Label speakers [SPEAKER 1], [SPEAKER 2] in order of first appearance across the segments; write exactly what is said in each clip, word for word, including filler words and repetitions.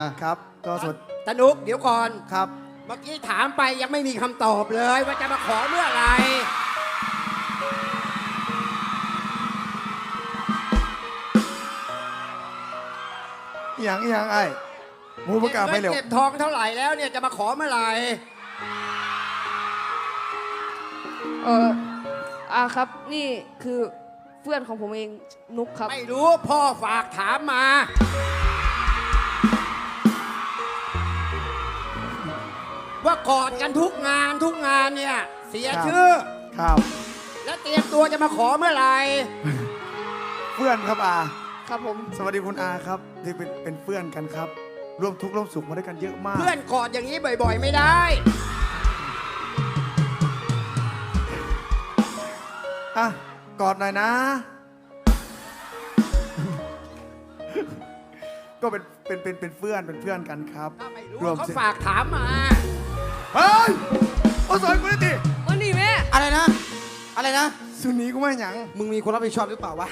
[SPEAKER 1] ครับก็สวัสดี
[SPEAKER 2] ตนุกเดี๋ยวก่อน
[SPEAKER 1] ครับ
[SPEAKER 2] เมื่อกี้ถามไปยังไม่มีคำตอบเลยว่าจะมาขอเมื่อไหร่
[SPEAKER 1] อย่างอย่างไอ้หมูประกาศไปเร็ว
[SPEAKER 2] เก็บทองเท่าไหร่แล้วเนี่ยจะมาขอเมื่อไหร่
[SPEAKER 3] เอออาครับนี่คือเพื่อนของผมเองนุกครับ
[SPEAKER 2] ไม่รู้พ่อฝากถามมา ว่ากอดกันทุกงานทุกงานเนี่ยเสียชื่อ
[SPEAKER 1] ครับ
[SPEAKER 2] และเตรียมตัวจะมาขอเมื่อไหร่
[SPEAKER 1] เพื่อนครับอา
[SPEAKER 3] ครับผม
[SPEAKER 1] สวัสดีคุณอาครับที่เป็นเป็นเพื่อนกันครับ ร่วมทุกข์ร่วมสุขมาด้วยกันเยอะมาก
[SPEAKER 2] เพื่อนกอดอย่างนี้บ่อยๆไม่ได้
[SPEAKER 1] อ่ะกอดหน่อยนะ ก็เป็นเป็นเป็นเป็นเพื่อนเป็นเพื่อนกันครับ
[SPEAKER 2] ถ้าไม่รู้
[SPEAKER 1] รวม
[SPEAKER 2] เขา
[SPEAKER 1] สิ
[SPEAKER 2] ฝากถามมา
[SPEAKER 1] เฮ้ยโอ้สอนกูได้ดิ
[SPEAKER 3] วันนี้แม่
[SPEAKER 4] อะไรนะ อะไรนะ
[SPEAKER 1] สุนีกูไม่หยัง
[SPEAKER 4] มึงมีคนรับผิดชอบหรือเปล่าวะ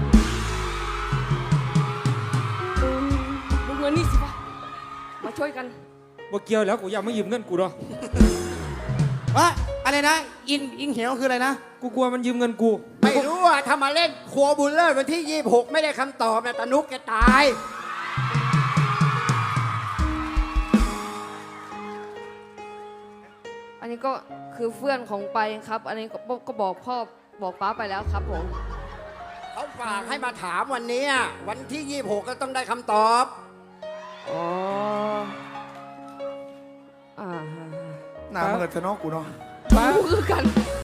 [SPEAKER 3] มึงเงินนี่สิปะมาช่วยกัน
[SPEAKER 5] บ่เกี่ยวแล้วกูอยากไม่ยืมเงินกูหรอก
[SPEAKER 4] วะ อะไรนะ อิน อิงเหวคืออะไรนะ
[SPEAKER 5] กูกลัวมันยืมเงินกู
[SPEAKER 2] ไม่รู้ว่าถ้ามาเล่นครัวบุญเลิศวันที่ยี่สิบหกไม่ได้คำตอบนะตานุกแกตาย
[SPEAKER 3] อันนี้ก็คือเพื่อนของไปครับ อันนี้ก็ก็บอกพ่อบอกป้าไปแล้วครับผม
[SPEAKER 2] เขาฝากให้มาถามวันนี้วันที่ยี่สิบหกก็ต้องได้คำตอบ
[SPEAKER 3] อ๋ออ่า
[SPEAKER 1] หน้าเมื่อเธอเนาะกูเนาะ
[SPEAKER 3] รู้คือกัน